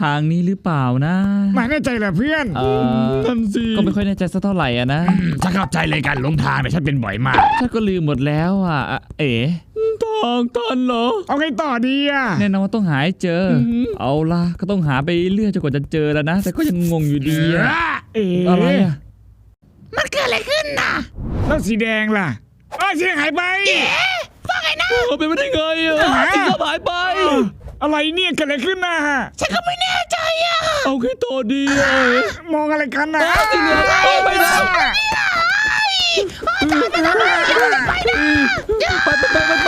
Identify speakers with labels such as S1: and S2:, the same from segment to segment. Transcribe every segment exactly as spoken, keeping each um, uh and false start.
S1: ทางนี้หรือเปล่านะ
S2: ไม่แน่ใจเหรอเพื่อน
S1: เออนั่นสิก็ไม่ค่อยแน่ใจสักเท่าไหร่อ่ะนะ
S2: ฉันเข้าใจเลยการหลงทางแต่ฉันเป็นบ่อยมาก
S1: ฉันก็ลืมหมดแล้วอ่ะเอ๋ทางตันเหรอ
S2: เอาไงต่อดีอ่ะ
S1: แน่นอนว่าต้องหาให้เจอเอาล่ะก็ต้องหาไปเรื่อยจนกว่าจะเจอแล้วนะแต่ก็ยังงงอยู่ดีอ่ะ
S2: เอ๋
S1: อะไรอ่ะ
S3: มันเกิดอะไรขึ้นน่ะ
S2: แล้วสีแดงล่ะอ้าวสีหายไป
S3: ว่าไงนะ
S1: เป็นไปได้ไงอ่ะสีหายไป
S2: อะไรเนี่ยเกิดอะไรขึ้นนะ
S3: ฉันก็ไม่แน่ใจอ่ะ
S1: เอาแค่ตัวดีอ่ะ
S2: มองอะไรกันนะ
S1: สีเหลืองไปนะ
S3: ไปนะไป
S1: ไปไปไปไป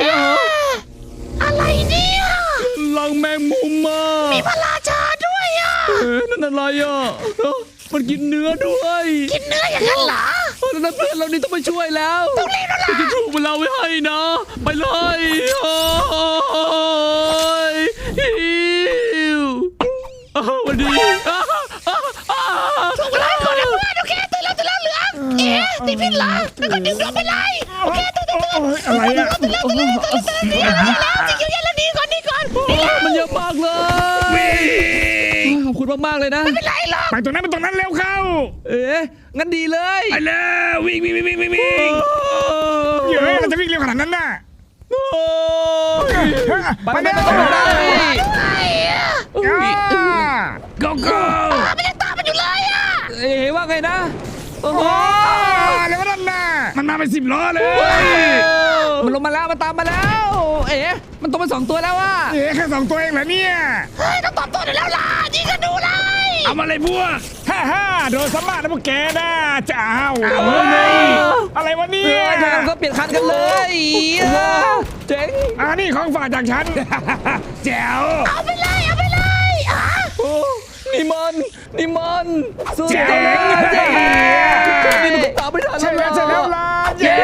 S3: อะไรเนี่ย
S1: ลังแมงมุมมา
S3: มีพระราชาด้วยอ่ะ
S1: เอ๊ะนั่นอะไรอ่ะมันกินเนื้อด้วย
S3: กินเนื้ออย่างนั้นเหรอ
S1: นั่นเพื่อนเรานี่ต้องไปช่วยแล้ว
S3: ต้องเล่นแล้วล่ะ
S1: จะถูกมันเราไม่ให้นะไปเลยโอ้ยฮิววันดี
S3: ถูกไล่ก่อนนะเพื่อนโอเคตื่นแล้วตื่นแล้วเหลืองเอ๊ะติดพิษเหรอแล้วก็ดึงดอกไปไล่โอเคตื่นตื่นตื่น
S2: อะไรอ่ะ
S3: ตื่นแล้วตื่นแล้วตื่นแล้วตื่นแล้วตื่นแล้วจิ๋วเย็นแล้วนี่ก่อนนี่ก่อน
S1: มันเยอะมากเลยขอบคุณมากๆเลยนะ
S3: ไม่เป็นไรหรอก
S2: ไปตรงนั้นไปตรงนั้นเร็วเข้า
S1: เอ๊ะงั้นดีเลย
S2: ไปเลยวิ่งวิ่งวิ่งวิ่งวิ่งวิ่งเยอะเราจะวิ่งเร็วขนาดนั้นน่ะ
S1: ไปไม่ต้องไป
S2: go go
S3: มันยังตามมันอยู่เลยอ่ะ
S1: เอ๊ะว่าไงนะ
S2: โอ้โหเร็วนั่นน่ะมันมาเป็นสิบล้อเลย
S1: มันลงมาแล้วมันตามมาแล้วเอ๊ะมันต้องเป็นสองตัวแล้วว่ะ
S2: เอ๊ะแค่สองตัวเองเหรอเนี่ย
S3: เฮ้ยต้องตอบตัวได้แล้วล่ะยิงกันดูเลย
S2: เอามาเลยพวกฮ่าฮ่าโดนสมาร์ทนะพวกแกนะจะเอาเอาเลยอะไรวะเนี่ย
S1: ทางก็เปลี่ยนคันกันเลยเจ๋ง
S2: อ่านี่ของฝากจากฉันแจ๋ว
S3: เอาไปเลยเอาไปเลยอ่ะ
S1: นี่มันนี่มัน
S2: สุดยอด
S1: นี่มันตามไม่ทัน
S2: ใช่แล้วใช่แล้วล่ะเย้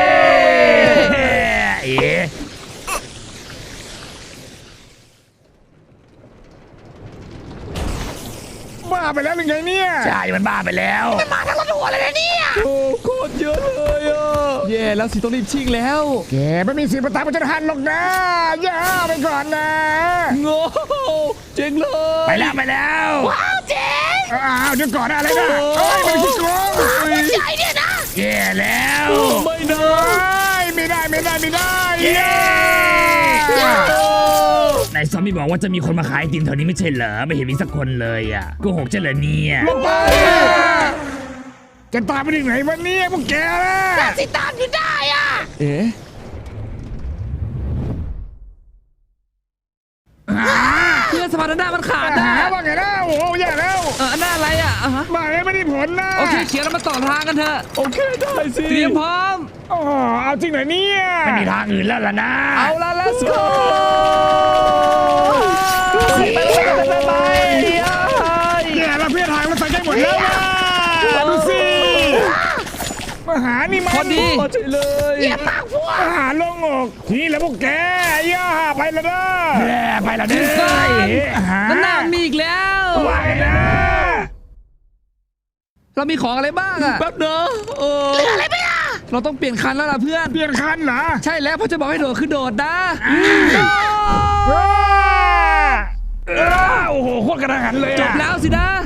S2: บ้าไปแล้วหรือไงเนี่ยใช่มันบ้าไปแล้ว
S3: มันมาทั้งรถทัวร์เลยนะเนี่ย
S1: โอ้โคตรเยอะเลยอ่ะแย่แล้วสิต้องรีบชิงแล้ว
S2: แกไม่มีสิทธิ์มาตามมันจะหันหรอกนะย่าไปก่อนนะ
S1: โง่เจ๋งเลย
S2: ไปแล้วไปแล้ว
S3: ว้าวเจ๋ง
S2: อ้าวเดี๋ยวก่อนอะไรนะเฮ้ยมันขี้โกง
S3: ใหญ่เนี่ยนะ
S2: แย่แล้ว
S1: ไม่ได้
S2: ไม่ได้ไม่ได้ไม่ได้นายซอมบี้บอกว่าจะมีคนมาขายไอติมแถวนี้ไม่ใช่เหรอไม่เห็นมีสักคนเลยอ่ะโกหกเฉลยเนี่ยจะตามไปถึงไหนวันนี้พวกแกล่ะ
S3: แต่สิตามอยู่ได้อ่ะ
S1: เอ๊ะเพื่อนสะพานหน้ามันขาดนะ
S2: ว่าไงนะโอ้ยแย่แล้ว
S1: เออหน้าอะไรอ่ะ
S2: มาไม่ได้ผลนะ
S1: โอเคเขียนแล้วมาต่อทางกันเถอะโอเคได้สิเตรียมพร้อม
S2: อ๋อเอาจริงเหรอเนี่ยไม่มีทางอื่นแล้วล่ะนะ
S1: เอาละ let's go ไปไปไปไป
S2: แย่แล้วเพื่อนหายมาใส่ใจหมดแล้วดูสิมาหานี่มา
S1: พอดีใช่เลย
S3: เยี่ยมมากพวก
S2: มาหาลงอกทีแล้วพวกแกย่าไปแล้วเด้อแย่ไปแล้วเด้อ
S1: นั่นน่ามีอีกแล้ว
S2: ไปนะ
S1: เรามีของอะไรบ้างอะแป๊บเด้อเออ
S3: เหลืออะไรไม่ล่ะ
S1: เราต้องเปลี่ยนคันแล้วล่ะเพื่อน
S2: เปลี่ยนคันเหรอ
S1: ใช่แล้วเพราะจะบอกให้โดดคือโดดนะ
S2: โอ้โหโคตรกระหันเลย
S1: จบแล้วสินะ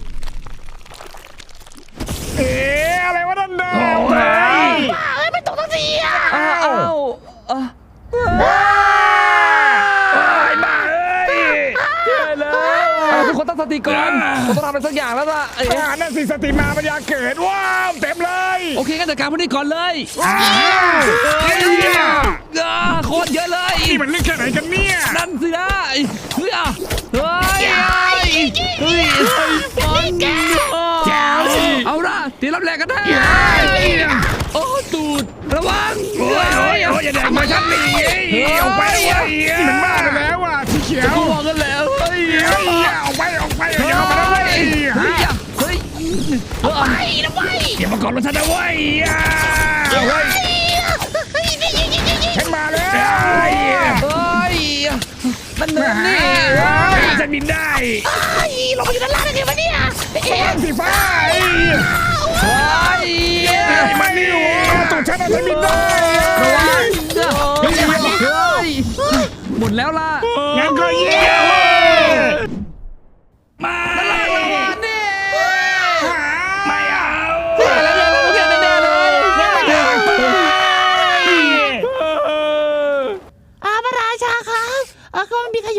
S2: เอ๊ะอะไรวะนั่นเด้อ
S3: ว้าเอ้ยไม่ตกตั้งทีอ่ะ
S1: อ้าวอ้
S2: ายบ้าเอ้ย
S1: ใช่แล้วทุกคนตั้งสติก่อนผมต้องทำอะไรสักอย่างแล้วล่ะ
S2: เอ้ยนั่นสิสติมาปัญญาเกิดว้าวเต็มเลย
S1: โอเคงั้นจัดการพวกนี้ก่อนเลยโคตรเยอะเลย
S2: นี่มันเรื่องแค่ไหนกันเนี่ย
S1: นั่นสินะเฮ้ยเฮ้ยเฮ้ยฟันเอาละตีรับแรงกันได้โอ้ตูดระวัง
S2: โอ้ยโอ้ยโอ้ยอย่าแดกมาชั้นนี้ออกไปเลยมันบ้าไปแล้วอ่ะสีเขียว
S1: มองกันแล้วเฮ้ย
S2: ออกไปออกไปอย่าเข้ามาเลย
S1: เฮ้ยเฮ้ย
S3: ไปนะไป
S2: อย่ามาก่อนรถฉันนะเว้ยเฮ้ยฉันมาแล้ว
S1: เฮ้ยมันเหนื่อยนี่
S2: ฉันบินได้
S3: เราไปอยู่ด้านล่างได้ไงวะเนี่ย
S2: แสงสีฟ้า
S1: เฮ้ย
S2: มันนี่หัวตุ่มฉันจะบินได้
S1: ระวังเฮ้ยหมดแล้วล่ะ
S2: งั้นก็เยี่ยม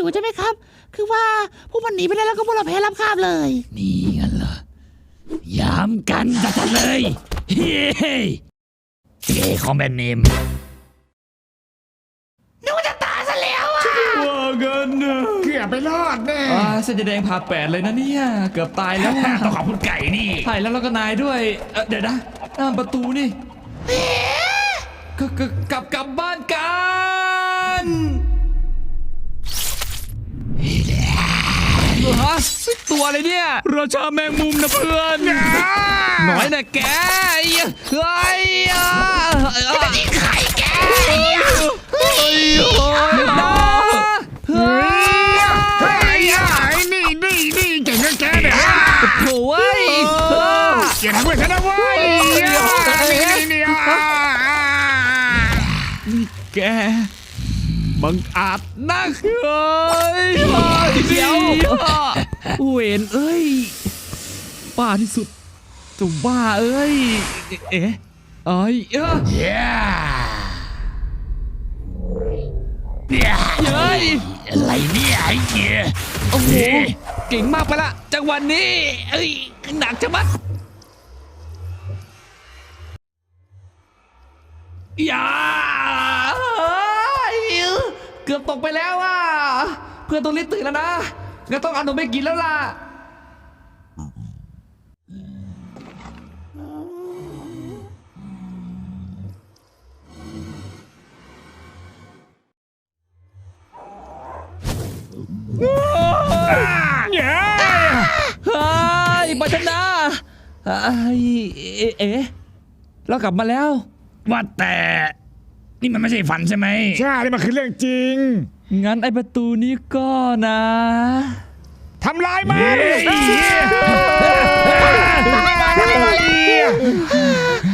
S3: ใช่ไหมครับ คือว่าพวกมันหนีไปได้แล้วก็พวกเราแพ้รับคาบเลย
S1: นี่งั้นเหรอ ยามกันจัดเลย เฮ้ยเอคอมแบนเนม
S3: นึกว่าจะตายซะแล้วอ่ะ
S1: ว่ากันนะ
S2: เกือบไปรอดแน่
S4: อ่าเส้นแดงผ่าแปดเลยนะเนี่ย เกือบตายแล้วอะ
S1: ต้องขอบคุณไก่นี่
S4: ใช่แล้วแล้วก็นายด้วยเอ่อเดี๋ยวนะหน้าประตูนี่กกกลับกลับบ้านกันฮะตัวอะไรเนี่ย
S1: ราชาแมงมุมนะเพื่อน
S4: หน่อยนะแกไอ้เฮ้ยอ่ะเฮ้ย
S3: นี่ใครแก
S1: เฮ้ยเฮ้ย
S2: เฮ้ยเฮ้ยไอ้นี่นี่นี่เก่งกับแกเนี่ย
S4: โถ่ย
S2: อย่าทำเพื่อนฉันนะเว้ยนี่นี่
S1: แกบังอาจนัก
S4: เฮ้ยเดี๋ยวเวนเอ้ยบ้าที่สุดจุ่มบ้าเอ้ยเอ๊ะเอ้ยเอ้ย
S1: เย้
S4: เฮ้ย
S1: อะไรเนี่ยไอ้เหี้ย
S4: โอ้โหเก่งมากไปละจังหวะนี้เอ้ยหนักจะมัดอย่าเฮ้ยเกือบตกไปแล้วอ่ะเพื่อนต้องรีบตื่นแล้วนะงั้นต้องเอานมไปกินแล้วล่ะเฮ้ยบัชนาเฮ้ยเอ๊ะเอ๊ะเรากลับมาแล้ว
S1: ว่าแต่นี่มันไม่ใช่ฝันใช่ไหม
S2: ใช่นี่มันคือเรื่องจริง
S4: งั้นไอประตูนี้ก็นะ
S2: ทำลายมัน
S1: เฮ้ย